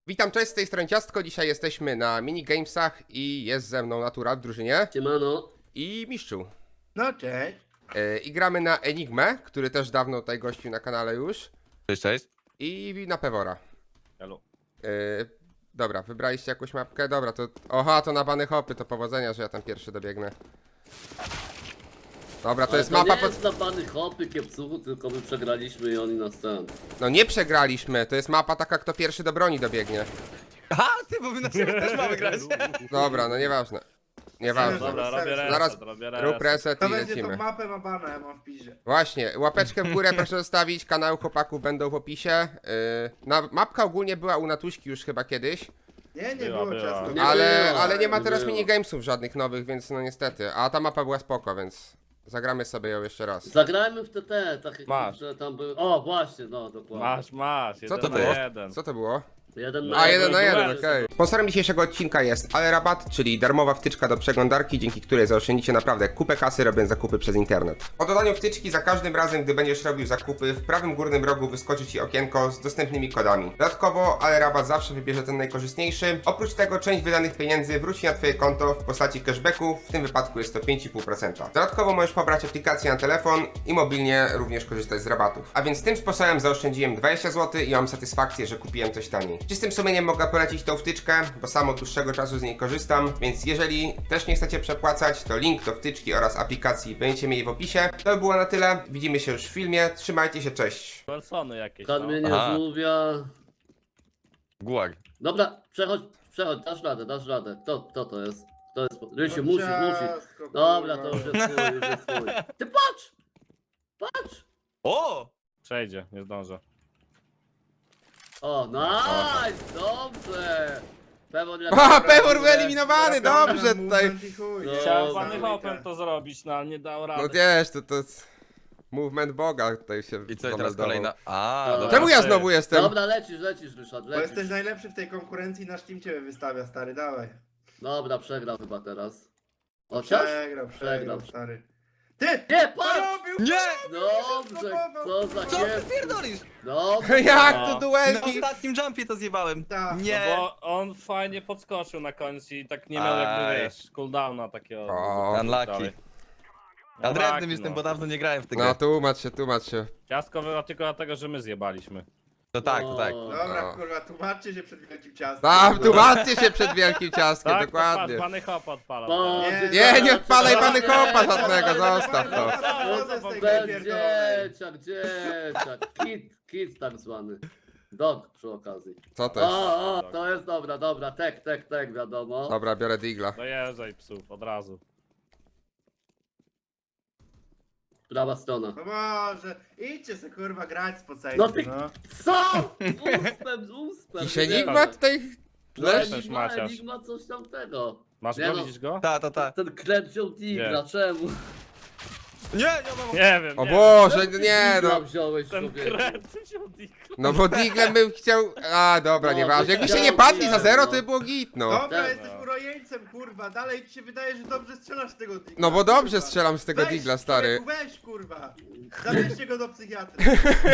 Witam, cześć, z tej strony Ciastko. Dzisiaj jesteśmy na minigamesach i jest ze mną Natura w drużynie Siemano. i Miszczu. No cześć. I gramy na Enigmę, który też dawno tutaj gościł na kanale już, Cześć, cześć. i na Pewora. Halo. Dobra, wybraliście jakąś mapkę? Dobra, to... Oha, to na bany hopy, to powodzenia, że ja tam pierwszy dobiegnę. Dobra, to Ale jest mapa nie pod... jest dla pany hopy, kiepcuchu, tylko my przegraliśmy i oni nas ten. No nie przegraliśmy, to jest mapa taka, kto pierwszy do broni dobiegnie. Aha, ty, bo my na siebie też mamy grać. Dobra, no nieważne. Nieważne. Dobra, robię reset, Zaraz rób reset To i będzie lecimy. tą mapę ma bana, ja mam w piździe. Właśnie, łapeczkę w górę proszę zostawić, kanały chłopaków będą w opisie. Mapka ogólnie była u Natuśki już chyba kiedyś, Nie Była. było czasu. Nie ale nie ma nie teraz było. minigamesów żadnych nowych, więc no niestety. A ta mapa była spoko, więc zagramy sobie ją jeszcze raz. Zagrajmy w TT, tak jak Masz. że tam były. O, właśnie, no dokładnie. Masz, Co jeden to na było? jeden. Co to było? Jeden na A, jeden. 1 na 1, duel. okej. Sponsorem dzisiejszego odcinka jest AleRabat, czyli darmowa wtyczka do przeglądarki, dzięki której zaoszczędzicie naprawdę kupę kasy, robiąc zakupy przez internet. Po dodaniu wtyczki za każdym razem, gdy będziesz robił zakupy, w prawym górnym rogu wyskoczy Ci okienko z dostępnymi kodami. Dodatkowo AleRabat zawsze wybierze ten najkorzystniejszy. Oprócz tego część wydanych pieniędzy wróci na Twoje konto w postaci cashbacku, w tym wypadku jest to 5,5%. Dodatkowo możesz pobrać aplikację na telefon i mobilnie również korzystać z rabatów. A więc tym sposobem zaoszczędziłem 20 zł i mam satysfakcję, że kupiłem coś taniej. Czystym sumieniem mogę polecić tą wtyczkę, bo sam od dłuższego czasu z niej korzystam, więc jeżeli też nie chcecie przepłacać, to link do wtyczki oraz aplikacji będziecie mieli w opisie. To by było na tyle, widzimy się już w filmie, trzymajcie się, cześć! Persony jakieś, no. Karmienie Aha. żółwia. Gulag. Dobra, przechodź, dasz radę. Kto to jest? Kto jest? Rysiu, No musisz. ciastko, Dobra, kurwa. to już jest twój, już jest twój. Ty patrz! Patrz! O! Przejdzie, nie zdążę. O, nice! Dobrze! Pewor A, Pewor wyeliminowany, Dobra, dobrze tutaj! movement i chuj, No, nie? Chciałem Dobra. pany hopem to zrobić, no ale nie dał rady. No wiesz, to jest... Movement Boga tutaj się I co, i teraz zameldował. kolejna... A, Dobra. dobra. Czemu ja znowu jestem? Dobra, lecisz, Ryszard, Bo jesteś lecisz. najlepszy w tej konkurencji, nasz team ciebie wystawia, stary, dawaj. Dobra, przegrał chyba teraz. Chociaż? Przegrał, stary. Ty! Nie, patrz! Porobił! Nie! Dobrze, co za Co ty kiep. pierdolisz? Dobrze. Jak No. to Na duelki? ostatnim jumpie to zjebałem. Tak. No Nie! bo on fajnie podskoczył na końcu i tak nie miał jakby, Aj. wiesz, cooldowna takiego. O, Unlucky. dalej. Ja No drewnym tak, jestem, no. bo dawno nie grałem w tę no grę. tłumacz się. Ciastko było tylko dlatego, że my zjebaliśmy. To tak, to tak. Dobra, No. kurwa, tłumaczcie się przed wielkim ciastem. Tam, tłumaczcie się przed wielkim ciastkiem, Tak, dokładnie. pany hop odpala. O, teraz. Nie odpalaj pany kopa żadnego, zostaw to. Wychodzę z tej gry pierdolonej. Dzieciak, kit tak zwany. Dog przy okazji. Co to jest? O, to jest dobra, tek, wiadomo. Dobra, biorę digla. Dojeżdżaj psów, od razu. Prawa strona. No może, idźcie se kurwa grać z No pocejtem, ty, no. co? Uspem. Dziś Enigma tutaj... Leż? Leż? Enigma coś tamtego. Masz Nie go, no. widzisz go? Ta. Ten klep wziął Tigra, Nie. czemu? Nie, mam... Nie wiem, O nie Boże, Czemu ty nie Tigra no. wziąłeś Ten sobie. kret wziął digla. No bo diglem bym chciał... A, dobra, No, nieważne. Jakbyście chciał nie padli za diglem, zero, no. to by było git, no. Dobra, Tak. jesteś urojeńcem, kurwa, dalej ci się wydaje, że dobrze strzelasz z tego digla. No bo dobrze kurwa. strzelam z tego Weź, digla, stary. człowieku, weź, kurwa. Zabierzcie go do psychiatry.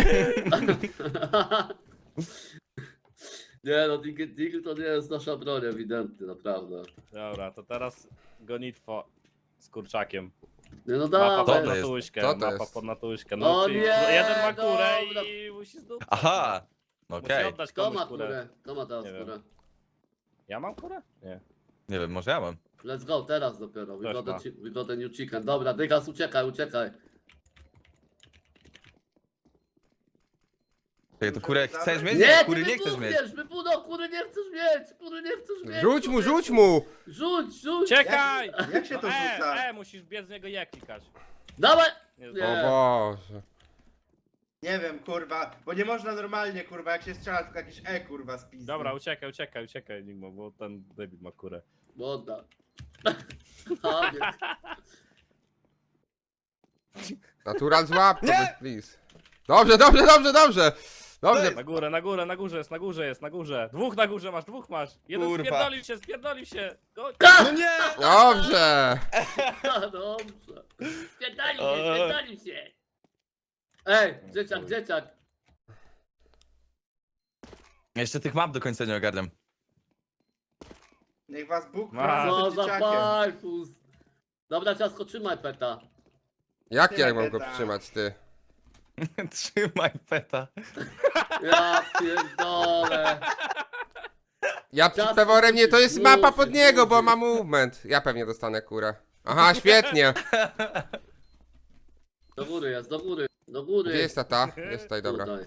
Nie no, Digl to nie jest nasza broń ewidentnie, naprawdę. Dobra, to teraz gonitwo z kurczakiem. Nie no Mapa dawaj. to pod jest? natuśkę, Co to mapa jest? pod natuśkę. O No, czyli nie, jeden ma kurę dobra. i musi zdobyć. Aha! Musi Okej. oddać Kto komuś ma kurę. kurę? Kto ma teraz Nie wiem. kurę? Ja mam kurę? Nie. Nie wiem, może ja mam. Let's go, teraz dopiero. Też ma. We got a new chicken. Dobra, Dygas, uciekaj. Czekaj, to kurę chcesz mieć? Nie, Kury ty nie chcesz mieć. kury nie chcesz mieć. Rzuć mu, człowieku. rzuć mu! Rzuć. Czekaj! Jak się to rzuca? Musisz biec z niego je klikać. Dawaj. Nie, Nie. O Boże. Nie wiem, kurwa, bo nie można normalnie, kurwa, jak się strzela, tylko jakieś kurwa, spizdy. Dobra, uciekaj, Enigma, bo ten debil ma kurę. Woda. A, nie. Natural złap, to by- please. Dobrze. Dobrze. Na górze jest. Dwóch na górze masz, dwóch masz. Jeden Kurwa. spierdolił się. Go. No nie! Dobrze. Dobrze. Spierdolił się. Ej, dzieciak. Jeszcze tych map do końca nie ogarniam. Niech was Bóg Ma. prowadzi Co przed za dzieciakiem. fajfus. Dobra, ciasko, trzymaj peta. Jak ja Tyle mam go beta. przytrzymać, ty? Trzymaj peta. Ja pierdolę. Ja przed Czas Peworem nie, to jest musisz, mapa pod musisz, niego, bo musisz. ma movement. Ja pewnie dostanę kurę. Aha, świetnie. Do góry jest, do góry. Do góry. Gdzie jest ta? Jest tutaj, dobra. Tutaj.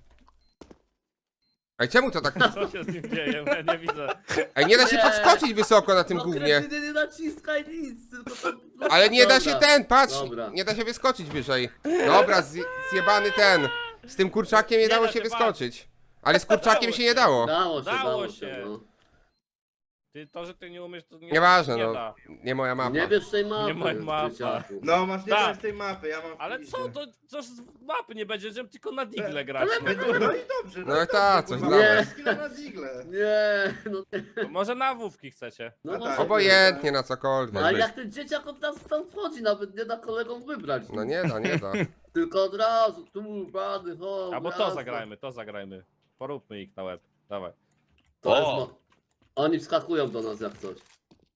Ej, czemu to tak... Co się z nim dzieje? Ja nie widzę. Ej, nie da się Nie. podskoczyć wysoko na tym No gównie. kretyny, nie naciskaj nic, tylko to... Ale nie da się Dobra. ten, patrz! Dobra. Nie da się wyskoczyć wyżej. Dobra, zjebany ten. Z tym kurczakiem nie Nie dało da się się wyskoczyć. Ale z kurczakiem się nie dało. Dało się, Dało dało się. się, no. Ty, to, że ty nie umiesz, to nie, Nieważne, nie no. da. Nie moja mapa. Nie bierz tej mapy, Nie ma mapa. dzieciaku. No, masz nie Tak. brać tej mapy, ja mam w Ale piździe. co, to z mapy nie będzie, żebym tylko na digle grać. ale no. No i dobrze, No i ta, dobrze, coś kurwa, damy. masz skilla na digle. Nie, no nie. To może na wówki chcecie. No A może tak. Obojętnie na cokolwiek. Ale jak ten dzieciak od nas tam wchodzi, nawet nie da kolegom wybrać. No nie da, nie da. Tylko od razu, tu, bany, ho, Albo to jazda. zagrajmy, to zagrajmy. Poróbmy ich na łeb. Dawaj. To O! jest Oni wskakują do nas jak coś.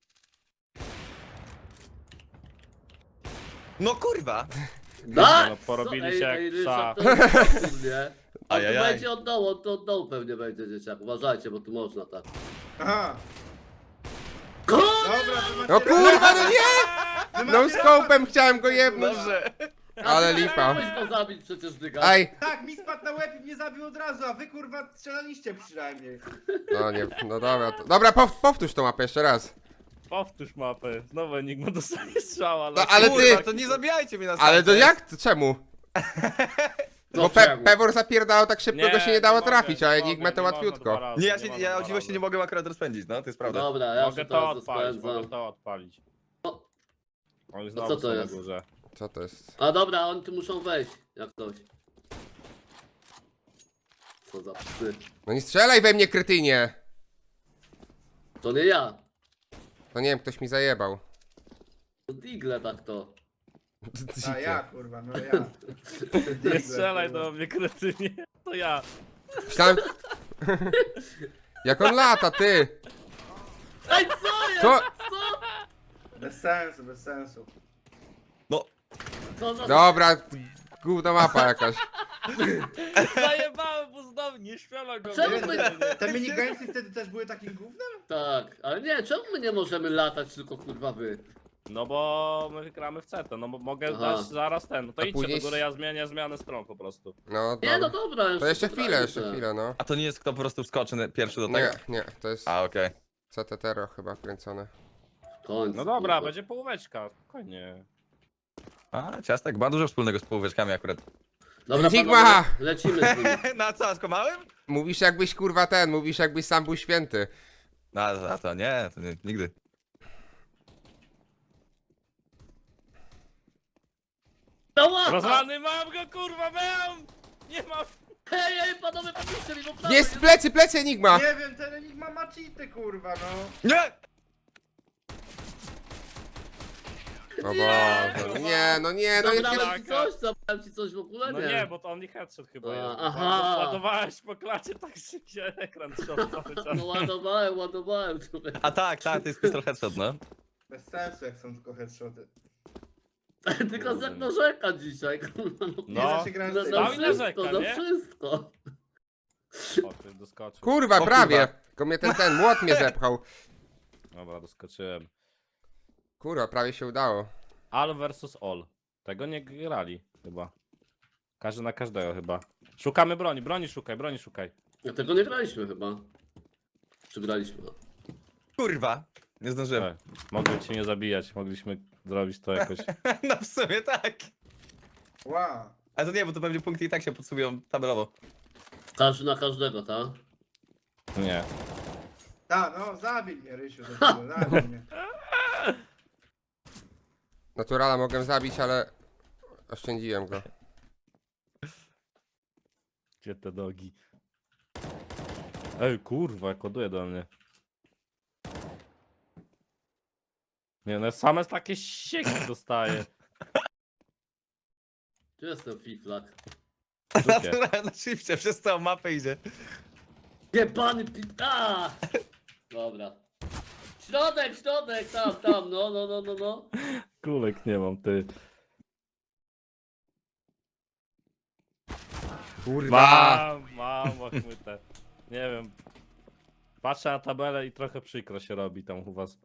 No kurwa! Da! no, porobili Co? się jak Ryszard, psa. to jest absurd, nie? A tu Ajajaj. będzie od dołu, to od dołu pewnie będzie dzieciak. Uważajcie, bo tu można tak. Aha. Kurde! Dobra, wy macie No kurwa, no nie! wy No macie scope'em chciałem go jebnąć. Dobrze. Ale lipa. Chciałeś go zabić przecież, dyga. Ej! Tak, mi spadł na łeb i mnie zabił od razu, a wy kurwa strzelaliście przynajmniej. No nie, no dobra. Dobra, powtórz tą mapę jeszcze raz. Powtórz mapę. Znowu Enigma dostanie strzała. No, ale Kurwa, ty- to nie zabijajcie mnie na Ale to starcie. jak? To czemu? No Bo czemu? Pewor zapierdalał tak szybko, go się nie dało mogę, trafić, a nie Enigmę mogę, to nie można łatwiutko. dwa razy, Nie, można ja dwa o dziwo się razy. nie mogę akurat rozpędzić, no to jest prawda. Dobra, ja Mogę się to teraz odpalić, mogę rozpędzam. to odpalić. O. Oni co znowu to są na jest? górze. Co to jest? A dobra, oni tu muszą wejść, jak ktoś. Co za psy. No nie strzelaj we mnie, kretynie! To nie ja. No nie wiem, ktoś mi zajebał. To Digle tak to. A ja kurwa, no ja. Nie strzelaj do mnie, kretynie. To ja. Myślałem... Jak on lata, ty! Ej, co jest? Co? Co? Bez sensu, bez sensu. No, Co za... Dobra, gówna mapa jakaś. Zajebałem, bo znowu nie śmiała go. Czemu my... Te minigamesy wtedy też były takim gównem? Tak, ale nie, czemu my nie możemy latać, tylko kurwa wy? No bo my gramy w CT, no bo mogę Aha. dać zaraz ten. No to A idźcie później- do góry, ja zmienię zmianę stron po prostu. No Nie, no dobra. dobra. To jeszcze potrajmy chwilę, se. no. a to nie jest kto po prostu wskoczy pierwszy do tego? Nie, nie, to jest A, okej. CTTero chyba kręcone. W końcu, No dobra, kurwa. będzie połóweczka, spokojnie. A, ciastek ma dużo wspólnego z połóweczkami akurat. Dobra, Sigma! panowie, lecimy z nimi. Na co, skomałem? Mówisz jakbyś kurwa ten, mówisz jakbyś sam był święty. No, a to nie, nigdy. No łapa! Rozlany mam go, kurwa, mam! Nie mam! Hej, panowie, pomóżcie mi, bo prawo Jest plecy Enigma! Nie wiem, ten Enigma ma cheaty kurwa, no. Nie! O Boże, nie, no nie, no nie. Zabrałem ci coś w ogóle, No nie? nie, bo to only headshot chyba A, jest. aha. Ładowałeś po klacie, tak się ekran trzał cały czas. No ładowałem, człowiek. A tak, to jest pistol headshot, no. Bez sensu, jak są tylko headshoty. Tylko jak narzeka dzisiaj, kurwa. Nie No. da się grać No, z tej no Stał i gry. wszystko, narzeka, no nie? wszystko. O, ty doskoczył. Kurwa, O, prawie. kurwa. Tylko mnie ten młot mnie zepchał. Dobra, doskoczyłem. Kurwa, prawie się udało. All versus all. Tego nie grali chyba. Każdy na każdego chyba. Szukamy broni, broni szukaj. Ja tego nie graliśmy chyba. Czy graliśmy? Kurwa. Nie zdążyłem. E, Mogłem cię nie zabijać, mogliśmy zrobić to jakoś. No w sumie tak. Wow. Ale to nie, bo to pewnie punkty i tak się podsumują tabelowo. Każdy na każdego, tak? Nie. Ta, no zabij mnie Rysiu, zabij mnie. Naturala mogłem zabić, ale oszczędziłem go. Gdzie te nogi? Ej, kurwa, koduje do mnie. Nie, no same takie sieki dostaje. Tu jest ten fiflak. Naturalnie na shifcie przez całą mapę idzie. Jebany pita! Dobra. Środek, tam, no. Kulek nie mam, ty. Kurwa! Mam łachmytę. Nie wiem. Patrzę na tabelę i trochę przykro się robi tam u was.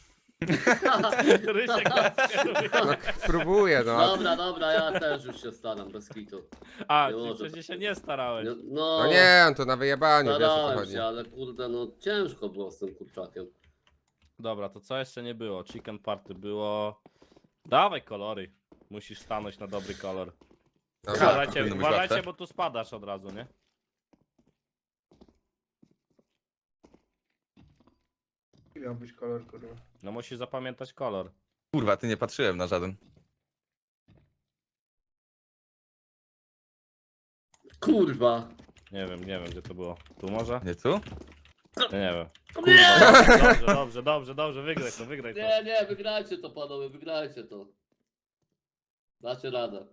Rysiek nas kieruje. No, próbuję, no. Dobra, ja też już się staram, bez kitu. A, Nie ty może. przecież się nie starałeś. No, No nie, to na wyjebaniu, wiesz o co starałem chodzi. się, ale kurde, no ciężko było z tym kurczakiem. Dobra, to co jeszcze nie było? Chicken party było. Dawaj kolory. Musisz stanąć na dobry kolor. Dobra. Uważajcie, powinno być uważajcie, łatwe. bo tu spadasz od razu, nie? Jaki miał być kolor, kurwa? No musisz zapamiętać kolor. Kurwa, ty nie patrzyłem na żaden. Kurwa. Nie wiem gdzie to było. Tu może? Nie tu? Ja nie wiem. Nie! Dobrze, wygraj to. Nie, wygrajcie to panowie, wygrajcie to. Dacie radę.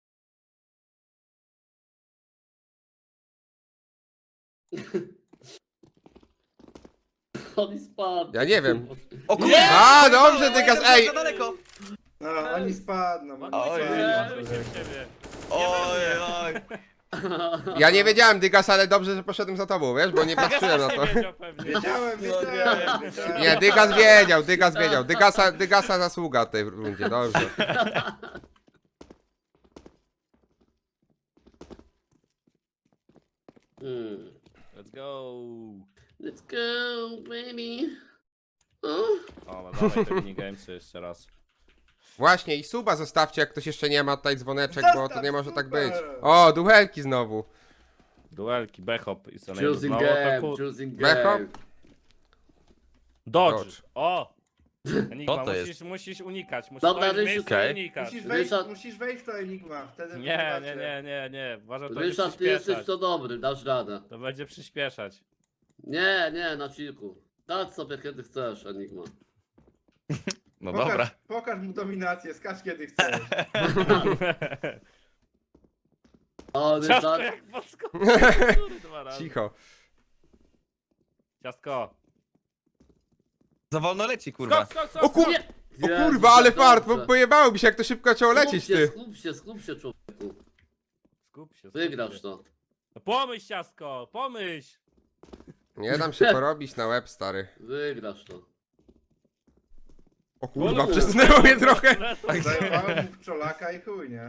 On spadł. Ja nie wiem. O kurwa! Nie! A, dobrze, Dygas, ej! Za daleko! No, oni spadną. Oj, Oni oj, spadną. ciebie. Oj, oj. Ja nie wiedziałem, Dygas, ale dobrze, że poszedłem za tobą, wiesz, bo nie patrzyłem na to. Wiedział pewnie. Wiedziałem. Nie, Dygas wiedział. Dygasa zasługa w tej rundzie, dobrze. Let's go. Let's go, baby. O? O, no dawaj te minigamesy jeszcze raz. Właśnie, i suba zostawcie, jak ktoś jeszcze nie ma tutaj dzwoneczek, bo to Zostaw, nie może tak super. być. O, duelki znowu. Duelki, bechop i co Choosing no, to game, kur... choosing Backup? game. Dodge. Dodge. O! Enigma, Co to musisz unikać. Musisz Dobra, stoić w Rysiu, miejscu okej. i unikać. Musisz wejść w to Enigma, wtedy Nie. Uważaj, to będzie Ryszard, ty jesteś przyspieszać. to dobry, dasz radę. To będzie przyspieszać. Nie, na chillku. Dać sobie kiedy chcesz, Enigma. No dobra. Pokaż mu dominację, skacz kiedy chcesz. O, Ciastko Ryszard. jak podskoczył. Dwa razy. Cicho. Ciastko. Za wolno leci, kurwa. Skok. O kur... Nie. O Jezu, kurwa, ale tak fart, dobrze. bo pojebało mi się, jak to szybko zaczęło lecieć, ty. Skup się, człowieku. Skup się. Wygrasz to. No pomyśl, ciastko, pomyśl. Nie dam się porobić na łeb, stary. Wygrasz to. O kurwa, przesunęło mnie trochę. Zajebałem mu w czolaka i chuj, nie?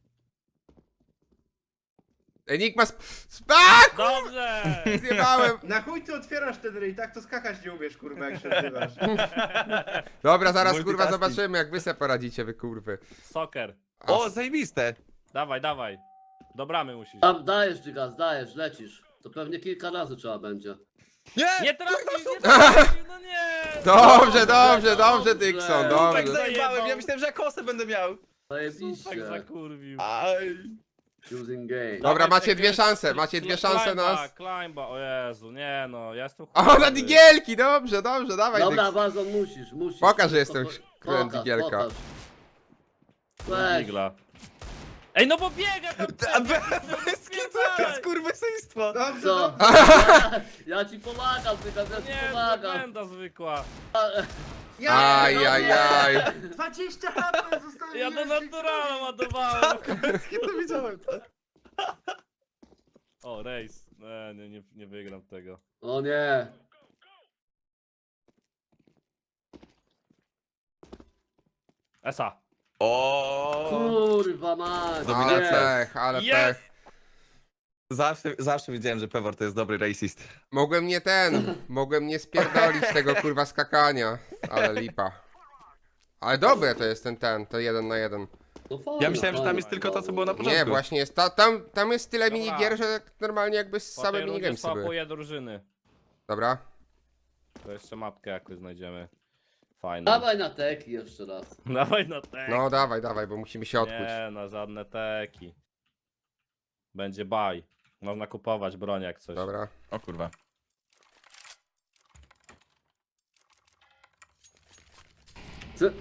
Enigma SPAK! Dobrze. Zjebałem. Na chuj ty otwierasz ten ryj, tak to skakać nie umiesz, kurwa, jak się odzywasz. Dobra, zaraz kurwa Multitasking. zobaczymy, jak wy se poradzicie, wy kurwy. Soccer. A, O, zajebiste! Dawaj. Do bramy musisz. Tam dajesz, Gigas, dajesz, lecisz. To pewnie kilka razy trzeba będzie. Nie! Nie trafił, no nie. dobrze, Dixon, Tak dobrze. zajebałem, ja myślałem, że ja kosę będę miał. Tak Zajebiście. zakurwił. Aj. Choosing game. Dobra, Dawaj, macie czekaj, dwie szanse, macie dwie szanse na nas. Climba, o Jezu, nie no, ja jestem O, na digielki, dobrze, dawaj Dobra, Dixon. Bazon, musisz. Pokaż, że jestem królem Pokaż, digielka. pokaż. Weź. Digla. Ej, no bo biega tam! Skurwysyństwo! Dobrze, Co? dobrze. Ja ci pomagam, Gigas, ja ci Nie, to pomagam. benda zwykła. Ajajaj. 20 HP zostało. Ja do naturala ładowałem. To widziałem to. O, rejs. Nie wygram tego. O nie. Esa. O. Kurwa mać. Ale Dominacja. pech, ale Jest. pech. Zawsze wiedziałem, że Pewor to jest dobry racist. Mogłem nie spierdolić tego kurwa skakania, ale lipa. Ale dobre to jest to 1 na 1. No fajnie, Ja myślałem, że tam fajnie. jest tylko to, co było na początku. Nie, właśnie jest, tam jest tyle Dobra. minigier, że normalnie jakby Po same tej rundzie minigamesy były. swapuję drużyny. Dobra. To jeszcze mapkę jakoś znajdziemy. Fajną. Dawaj na teki jeszcze raz. Dawaj na tek. No dawaj, bo musimy się odkuć. Nie, na żadne teki. Będzie buy. Można kupować broń jak coś. Dobra. O kurwa. Ty...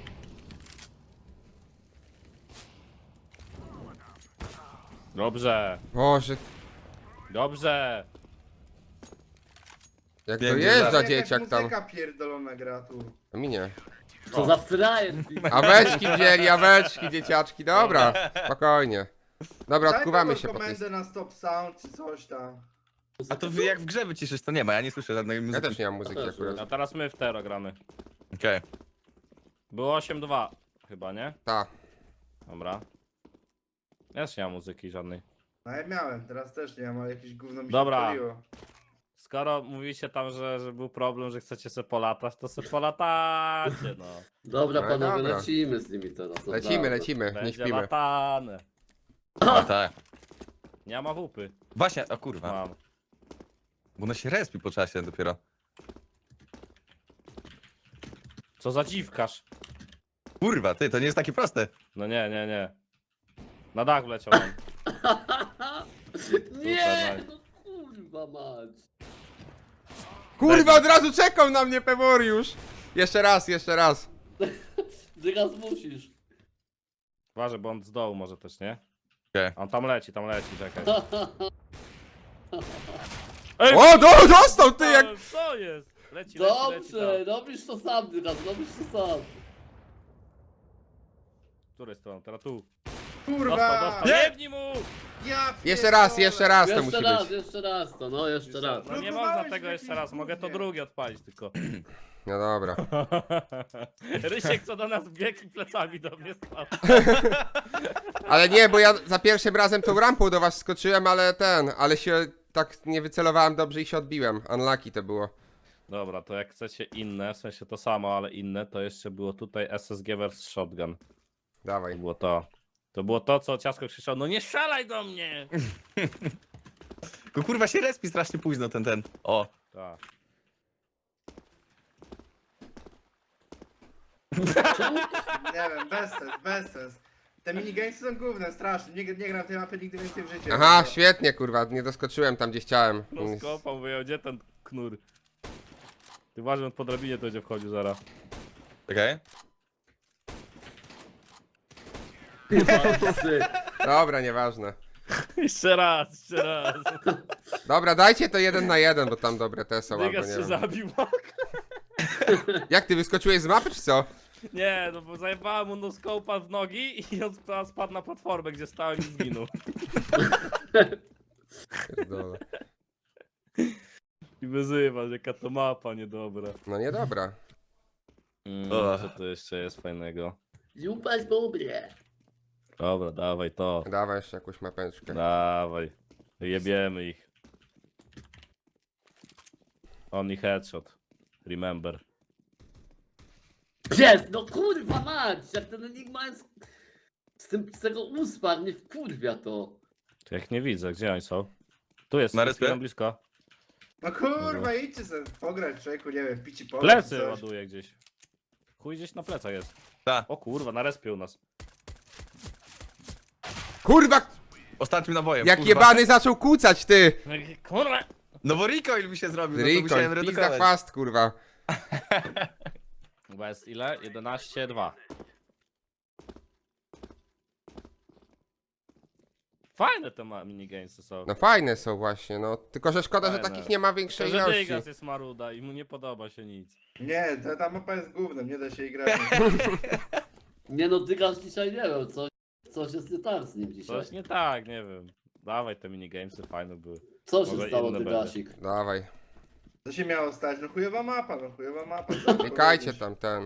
Dobrze. Boże, Dobrze. Jak Wiem, dojeżdża Jakaś dzieciak tam. muzyka pierdolona gra tu. A mi nie. Co za frajer. Aweczki wzięli, aweczki, dzieciaczki, dobra, spokojnie. Dobra, Daj odkuwamy kogo się po tej... komendę na stop sound czy coś tam. A to wy jak w grze wyciszysz, to nie ma, ja nie słyszę żadnej Ja muzyki. też nie mam muzyki Ja też akurat. A teraz my w Tero gramy. Okej. Było 8-2 chyba, nie? Ta. Dobra. Ja też nie mam muzyki żadnej. No ja miałem, teraz też nie mam, ale jakieś gówno mi się Dobra. odpaliło. Skoro mówicie tam, że był problem, że chcecie se polatać, to se polatacie, no. Dobra No panowie, dobra. lecimy z nimi teraz. Lecimy, dobra. lecimy, nie Będzie śpimy. latane. A tak. Nie ma wupy. Właśnie, o kurwa. Mam. Bo ona się respi po czasie dopiero. Co za dziwkarz. Kurwa, ty, to nie jest takie proste. No nie, nie, nie. Na dach wleciał on. Nie! nice. No kurwa mać. Kurwa, od razu czekał na mnie Peworiusz! Jeszcze raz, jeszcze raz. Dygas musisz. Uważaj, bo on z dołu może też, nie? Okej. On tam leci, czekaj. O, dostał ty jak... Co jest? Leci, leci, Dobrze, tam. robisz to sam, Dygas, robisz to sam. Z której strony? Teraz tu. Kurwa! Dostał. Nie! Jebnij mu! Ja Jeszcze raz to Jeszcze musi raz, być. jeszcze raz to, no jeszcze raz. No nie Blokowałeś można tego w jeszcze jakimś raz, mogę to gównie. drugie odpalić tylko. No dobra. Rysiek co do nas biegł i plecami do mnie stał. Ale nie, bo ja za pierwszym razem tą rampą do was skoczyłem, ale się tak nie wycelowałem dobrze i się odbiłem. Unlucky to było. Dobra, to jak chcecie inne, w sensie to samo, ale inne, to jeszcze było tutaj SSG vs Shotgun. To Dawaj. było to. To było to, co Ciasko krzyczał, no nie strzelaj do mnie! Tylko kurwa się respi strasznie późno ten. O. Tak. Nie wiem, bez sens. Te minigamesy są gównem, strasznie. Nie gram tej mapy nigdy więcej w życiu. Aha, świetnie kurwa, nie doskoczyłem tam gdzie chciałem. No skopał, wyjął, gdzie ten knur? Ty uważaj, on po drabinie to będzie wchodził zaraz. Okej. Dobra, nieważne. Jeszcze raz, jeszcze raz. Dobra, dajcie to 1 na 1, bo tam dobre te są, albo Dygas nie się wiem. zabił. Jak ty wyskoczyłeś z mapy, czy co? Nie, no bo zajebałem mu noskopa w nogi i on spadł na platformę, gdzie stałem i zginął. Pierdolę. I wyzywa, że jaka to mapa niedobra. No niedobra. Co to jeszcze jest fajnego? Jupaś dobre. Dobra, dawaj to. Dawaj jeszcze jakąś mapeczkę. Dawaj. Jebiemy ich. Only headshot. Remember. Jest, no kurwa mać, jak ten Enigma jest z tego uspar, nie wkurwia to. To jak nie widzę, gdzie oni są? Tu jest, Na jest respie? jeden blisko. No kurwa, idźcie sobie pograć, człowieku, nie wiem, w pici pole. Plecy czy coś. ładuje gdzieś. Chuj gdzieś na plecach jest. Ta. O kurwa, na respie u nas. Kurwa, Ostatnim nabojem. jak kurwa. jebany zaczął kucać, ty! Kurwa! No bo recoil mi się zrobił, no to Rikoń, musiałem pizda redukować. chwast, kurwa. Chyba jest ile? 11-2. Fajne te minigamesy są. No fajne są właśnie, no. Tylko, że szkoda, że Fajne. takich nie ma większej Tylko, że ilości. Dygas jest maruda i mu nie podoba się nic. Nie, ta mapa jest gównem, nie da się jej grać. Nie no, Dygas dzisiaj nie wiem, coś jest nie tak z nim dzisiaj. Coś nie tak, nie wiem. Dawaj te minigamesy, fajne były. Co się Może stało, inne Dygasik? Dawaj. Co się miało stać? No chujowa mapa, no chujowa mapa. Klikajcie tam ten.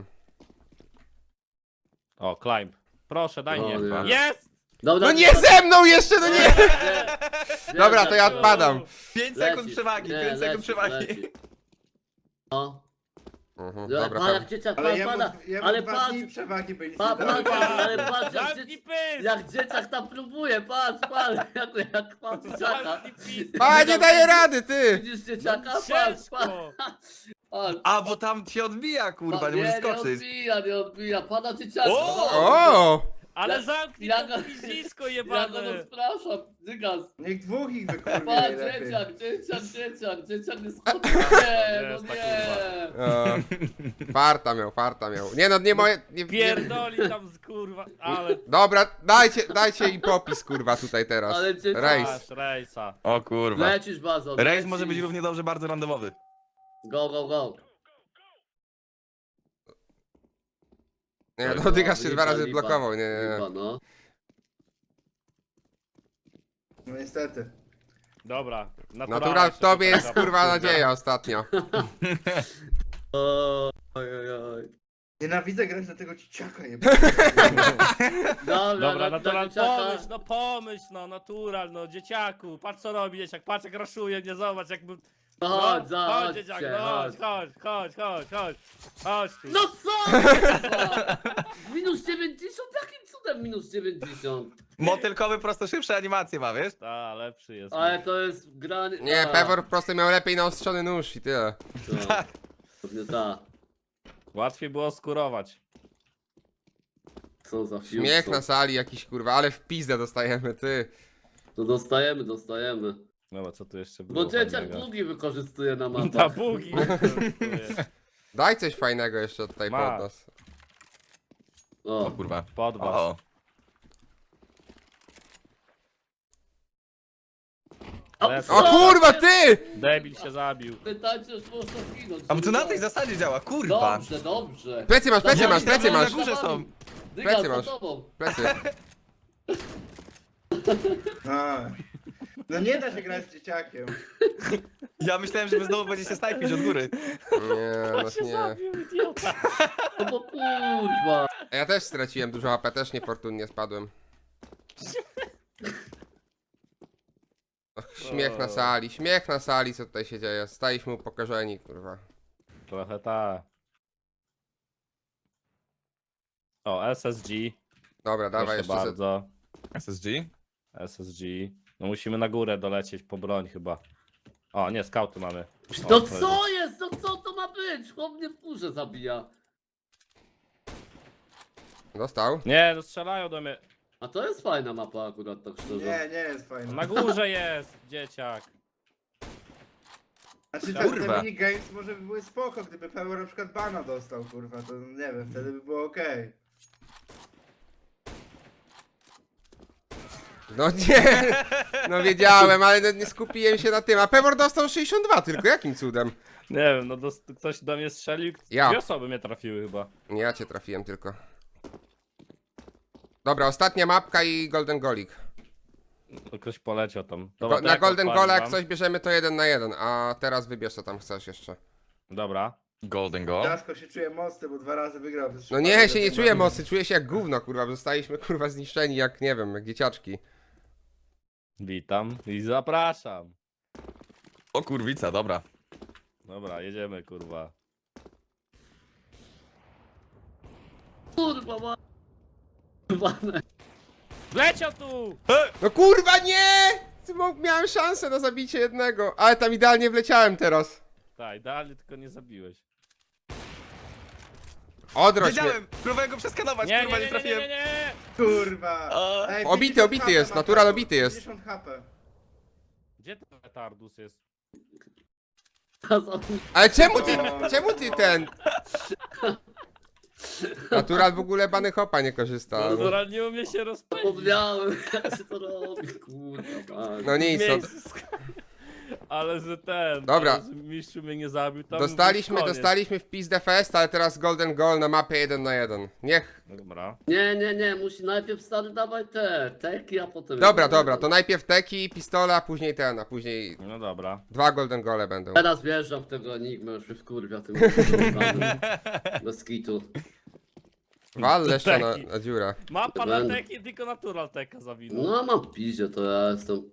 O, climb. Proszę, daj O mnie. nie. Jest! Dobra, No nie ze mną jeszcze, no nie! Dobra, to ja Dygas, odpadam. 5 lecisz. sekund przewagi, Nie, 5 sekund lecisz, przewagi. lecisz. No. Dobra, A jak dzieciak Ale pada, jemu ale 2 patrz, dni przewagi by nic patrz, nie dało. ale patrz, Zamknij pysk! jak dzieciak tam próbuje, patrz, jak ma dzieciaka. Zamknij pysk! A, nie daje rady, ty! Widzisz dzieciaka? No, Patrz, ciężko. patrz. A, bo tam cię odbija, kurwa, nie możesz Nie skoczyć. nie odbija, pada dzieciaka. O! O! Ale Ja- zamknij ja to go- piździsko Ja go jebane! rozpraszam, Dygas. Niech dwóch ich wykurwi Patrz, najlepiej. dzieciak nie skoczy. Nie, no Jest ta nie. O. Farta miał. Nie no, nie moje... Nie, nie. Pierdoli tam z kurwa, ale... Dobra, dajcie im popis, kurwa, tutaj teraz. Ale dzieciak- Rejs. Masz rejsa. O kurwa. Lecisz bazon. Rejs może być równie dobrze bardzo randomowy. Go, go, go. Nie, no Dygas się Lipa, 2 razy lipa, blokował, nie, nie, lipa, nie. no. No niestety. Dobra. Natural w tobie jest kurwa nadzieja ostatnio. Oj, oj, oj. Nienawidzę grać na tego dzieciaka, je. Dobra, natural, dzieciaka. pomyśl, no, natural, no, dzieciaku, patrz co robi dzieciak, patrz jak raszuje mnie, zobacz jakby... No No, chodź, chodź chodź, dzieciak, chodź. no, chodź tu. No co? kurwa? Minus 90? Jakim cudem minus 90? Motylkowy prosto szybsze animacje ma, wiesz? Ta, lepszy jest. Ale to jest granie... Nie, A, Pewor po prostu miał lepiej naostrzony nóż i tyle. to- Tak. Pewnie tak. Łatwiej było skurować. Co za film. Śmiech na sali jakiś kurwa, ale w pizdę dostajemy, ty. To dostajemy. Dobra, co tu jeszcze było? Bo dzieciak fajnego? bugi wykorzystuje na Ta mapach. bugi. Daj coś fajnego jeszcze tutaj Ma. pod nas. O O, kurwa. Pod was. O. Lecę. O kurwa, ty! Debil się zabił. Pytajcie, już można zginąć. A bo to na tej zasadzie działa, kurwa. Dobrze, dobrze. Plecy masz, plecy Ja masz, plecy myślałem, masz. że na górze są. Dyga, Plecy za masz. tobą. Plecy. A. No nie da się grać z dzieciakiem. Ja myślałem, że wy znowu będziecie snajpić od góry. Nie, no się nie. zabił, idiota. No bo kurwa. Ja też straciłem dużo HP, też niefortunnie spadłem. Och, śmiech na sali, co tutaj się dzieje. Staliśmy upokorzeni, kurwa. Trochę ta. O, SSG. Dobra, dawaj Proszę jeszcze. bardzo. SSG? SSG. No musimy na górę dolecieć po broń chyba. O, nie, skauty mamy. O, No to co jest? No co to ma być? Chłop mnie w górze zabija. Dostał. Nie, no strzelają do mnie. A to jest fajna mapa akurat, tak szczerze. Nie jest fajne. Na górze jest, dzieciak. Znaczy Kurwa. te minigames może by były spoko, gdyby Pewor na przykład bana dostał, kurwa, to nie wiem, wtedy by było okej. No nie, no wiedziałem, ale no nie skupiłem się na tym. A Pewor dostał 62 tylko, jakim cudem? Nie wiem, no ktoś do mnie strzelił. Ja. 2 osoby mnie trafiły chyba. Nie, ja cię trafiłem tylko. Dobra, ostatnia mapka i Golden Golik. No, ktoś poleciał tam. Dobra, to Na jak Golden odpalim Gola jak wam? coś bierzemy to 1 na 1, a teraz wybierz co tam chcesz jeszcze. Dobra. Golden Goal. Jasko się czuje mocny, bo 2 razy wygrał. bez No przypadku nie, do się nie tej czuję mapy. mocny, czuję się jak gówno, kurwa, bo zostaliśmy kurwa zniszczeni jak, nie wiem, jak dzieciaczki. Witam i zapraszam. O kurwica, dobra. Dobra, jedziemy kurwa. Kurwa ma... Kurwa, Leciał tu! No kurwa nie! Miałem szansę na zabicie jednego, ale tam idealnie wleciałem teraz. Tak, idealnie tylko nie zabiłeś. Odroć mnie. Wiedziałem! Próbowałem go przeskanować, Nie, kurwa, nie, nie nie, nie, trafiłem. nie, nie. Kurwa! A. Ej, Obity, 50 obity HP jest, ma natural Pewor, obity jest. 50 HP. Gdzie ten retardus jest? Ale czemu ty ten? Natural w ogóle bany hopa nie korzysta. No, Dobra, nie umie się rozpędzić. Zapomniałem, jak się to robi, kurwa. no nic, no, Ale że ten. Dobra. Ale, że mistrzu mnie nie zabił. Tam dostaliśmy w pizdę fest, ale teraz Golden Goal na mapie 1 na 1. Niech. Dobra. Nie, musi najpierw stary dawaj te teki, a potem... Dobra, to najpierw teki, pistola, a później ten, a później No dobra. 2 Golden Gole będą. Teraz wjeżdżam w tego Enigmę, już mnie wkurwia tym bez kitu. Wal jeszcze Teki. na dziurę. Mapa na Będę. teki, tylko natural teka zawinął. No mam piździe, to ja jestem...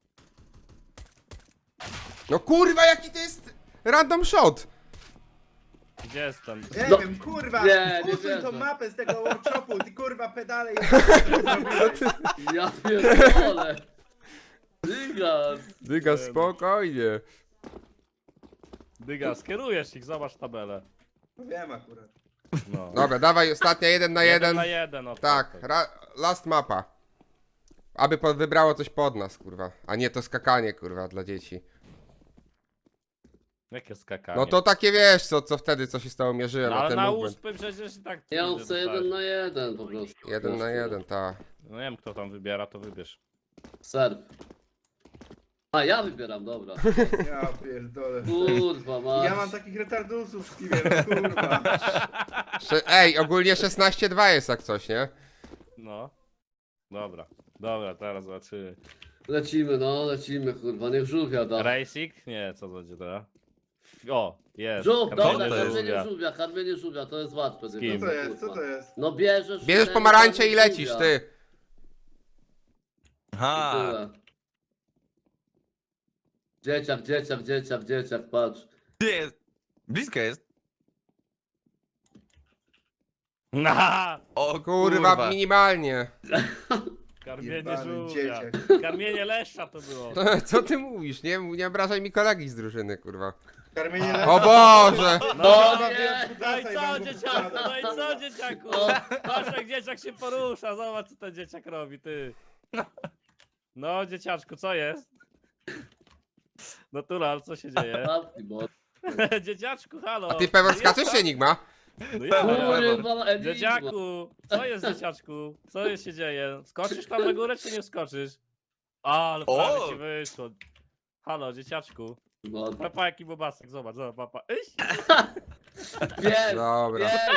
No kurwa, jaki to jest random shot! Gdzie jestem? Nie No, wiem, kurwa! nie Usuń wierzę. tą mapę z tego workshopu, ty kurwa pedale i... Ja pierdolę. Dygas. Dyga, spokojnie. Dyga, skierujesz ich, zobacz tabelę. Wiem akurat. No. Dobra, dawaj, ostatnia 1 na 1. 1 na 1, Tak, last mapa. Aby wybrało coś pod nas, kurwa. A nie to skakanie, kurwa, dla dzieci. Jakie skakanie? No to takie wiesz, co wtedy, co się z tobą mierzyłem, No, a ale ten na movement. uspy przecież i tak. Ja nigdy chcę dostałeś. 1 na 1 po prostu. 1 na 1, ta. No nie wiem kto tam wybiera, to wybierz. Serw. A ja wybieram, dobra. Ja pierdolę. Kurwa, masz. Ja mam takich retardusów w Steamie, no kurwa. Ej, ogólnie 16-2 jest jak coś, nie? No. Dobra, teraz zobaczymy. Lecimy, kurwa, niech żółwia da. Racing? Nie, co to będzie teraz? O, jest. Żółw, Karmienie dobra, to jest? karmienie żółwia, to jest łatwe. Z kim? Co to jest, co to jest? No bierzesz... Bierzesz ten, pomarańcze i karmisz lecisz, żółwia. ty. Aha. Tyle. Dzieciak, patrz. Gdzie jest? Blisko jest. Na! O Kurwa, minimalnie. Karmienie Jebany żółwia. dzieciak. Karmienie leszcza to było. Co ty mówisz? Nie obrażaj mi kolegi z drużyny, kurwa. Karmienie O Boże! No, nie. no i co dzieciaku, no i co dzieciaku? Patrz jak dzieciak się porusza, zobacz co ten dzieciak robi, ty. No dzieciaczku, co jest? Natural, co się dzieje? Zamknij, bo... Dzieciaczku, halo. A ty pewor skaczesz czy Enigma? No ja. Kurwa, Enigma. Dzieciaku, co jest dzieciaczku? Co jest się dzieje? Skoczysz tam na górę czy nie skoczysz? A, ale prawie O! ci wyszło. Halo, dzieciaczku. No, Papa jaki bobasek, zobacz, papa. Iś. pies, Dobra. pies.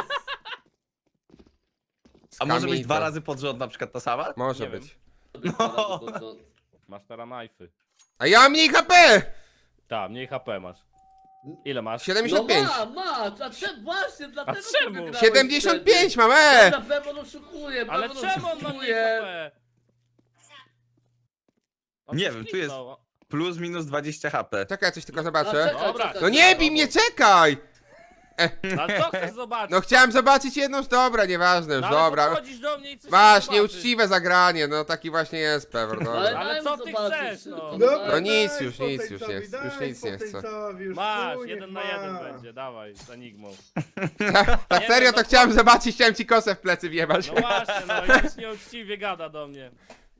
A może być Skamita. 2 razy pod rząd na przykład ta sama? Może Nie wiem. być. No. Masz teraz knifey. A ja mam mniej HP! Tak, mniej HP masz. Ile masz? 75. No masz, a czemu właśnie, dlatego czemu? ty wygrałeś 75 mam, wtedy. Na pewno oszukuje, Ale pewno czemu on ma mniej oszukuje. HP? On Nie coś wiem, tu jest- kliknął. Plus minus 20 HP. Czekaj, ja coś tylko A, zobaczę. Dobra. No nie bij mnie, czekaj! Ale co chcesz zobaczyć? No chciałem zobaczyć jedną, dobra, nieważne już, No, ale dobra. podchodzisz do mnie i coś Masz, zobaczysz. nieuczciwe zagranie, no taki właśnie jest pewor, Ale, dobra. Ale daj co mu ty zobaczyć chcesz, tylko, no? Dobra, No nic daj już nie Spoceńcowi, chcę. daj Już nic nie chcę. Spoceńcowi, już Masz, chuj, niech 1 na ma. 1 będzie, dawaj, z Enigmą. Tak Nie serio wiem, to no chciałem zobaczyć, chciałem ci kosę w plecy wjebać. No właśnie, no i już nieuczciwie gada do mnie.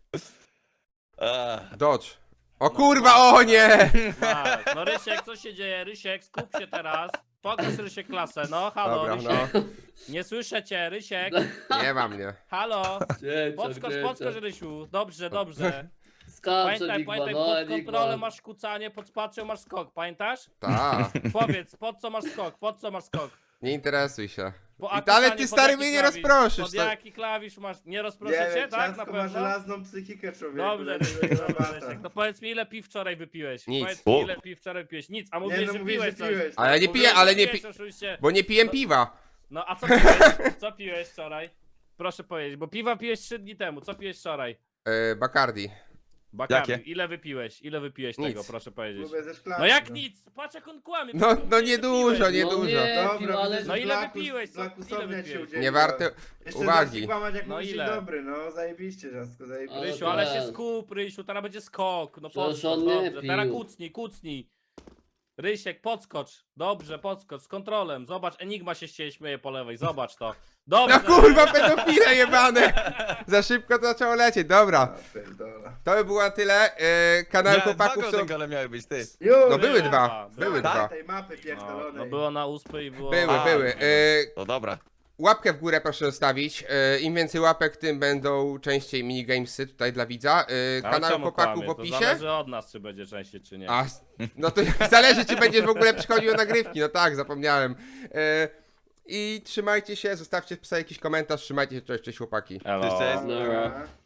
Dodge. O kurwa, o nie! Masz. No Rysiek, co się dzieje? Rysiek, skup się teraz. Pokaż Rysiek klasę, no halo Dobra, Rysiek. no. Nie słyszę cię, Rysiek. Nie ma mnie. Halo. Dzieciak, Podskocz Rysiu. Dobrze. Skacze, Pamiętaj, Enigma, pod Enigma. kontrolą masz kucanie, pod spaczą masz skok, pamiętasz? Ta, Powiedz, pod co masz skok? nie interesuj się. Bo, I a ale kucanie, ty pod stary jaki mnie nie klawisz? rozproszysz. Pod To... jaki klawisz masz? Nie Nie rozproszę cię, wiem, tak? Na ciastko ma pewno? żelazną psychikę, człowieku. Dobrze, dlatego Rysiek, nie dobrze, ma Rysiek. bata. To powiedz mi, ile piw wczoraj wypiłeś? Nic. Powiedz mi, O. ile piw wczoraj wypiłeś? Nic, a Nie, mówiłeś, no że mówisz, piłeś że coś. piłeś. Ale ja nie Mówiłeś, piję, ale że nie piłeś, pi... oczywiście. Bo nie piję piwa. No a co piłeś? Co piłeś wczoraj? Proszę powiedzieć, bo piwa piłeś 3 dni temu. Co piłeś wczoraj? Bacardi. Bacardi. Jakie? Ile wypiłeś? Ile wypiłeś Nic. tego, proszę powiedzieć? Lubię ze szklanki. No jak nic? Patrz jak on kłamie. No, przecież no mówiłeś, nie że dużo, piłeś. nie No dużo. nie, Dobra, pił, ale... widzę, No że ile Blackus- wypiłeś, co? Blackusowi Ile jak się wypiłeś? udzieliło. Nie warte Jeszcze uwagi. zaś kłamać jak No mówisz ile? dzień dobry, no zajebiście, Ciastko, zajebiście. Rysiu, Ale ale się ten. skup, Rysiu, teraz będzie skok. No Przecież podskocz, on nie dobrze. pił. Teraz kucnij. Rysiek, podskocz. Dobrze, podskocz, z kontrolem. Zobacz, Enigma się śmieje po lewej, zobacz to. Dobrze. No kurwa, pedofile jebane! Za szybko to zaczęło lecieć, dobra. A, pierdolę. To by było na tyle. Kanały Dwa chłopaków są... golden gole miały być, ty. Już! No były Były dwa, dwa, były tak? dwa. tej mapy No, pierdolonej. no było na uspy i było... Były, A, były. To dobra. Łapkę w górę proszę zostawić. Im więcej łapek, tym będą częściej minigamesy tutaj dla widza. Ale Kanał czemu chłopaków kłamie? w To opisie. zależy od nas, czy będzie częściej, czy nie. A, no to zależy, czy będziesz w ogóle przychodził na nagrywki. No tak, zapomniałem. I trzymajcie się, zostawcie w psa jakiś komentarz, trzymajcie się, cześć chłopaki. Elo. Cześć. Dobra.